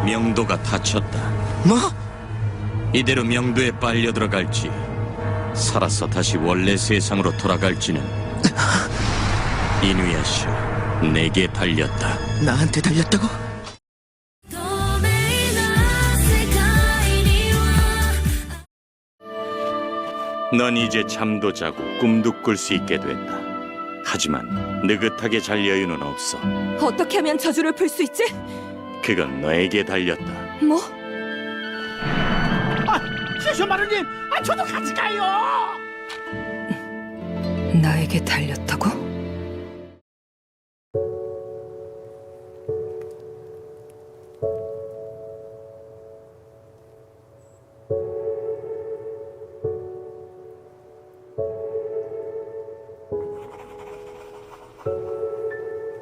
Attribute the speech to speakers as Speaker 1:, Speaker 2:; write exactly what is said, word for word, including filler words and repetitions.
Speaker 1: 명도가 다쳤다.
Speaker 2: 뭐?
Speaker 1: 이대로 명도에 빨려 들어갈지 살아서 다시 원래 세상으로 돌아갈지는 이누야샤 내게 달렸다.
Speaker 2: 나한테 달렸다고?
Speaker 1: 넌 이제 잠도 자고 꿈도 꿀 수 있게 됐다. 하지만 느긋하게 잘 여유는 없어.
Speaker 3: 어떻게 하면 저주를 풀 수 있지?
Speaker 1: 그건 너에게 달렸다.
Speaker 3: 뭐?
Speaker 4: 아, 시쇼마루님, 아, 저도 같이 가요.
Speaker 3: 나에게 달렸다고?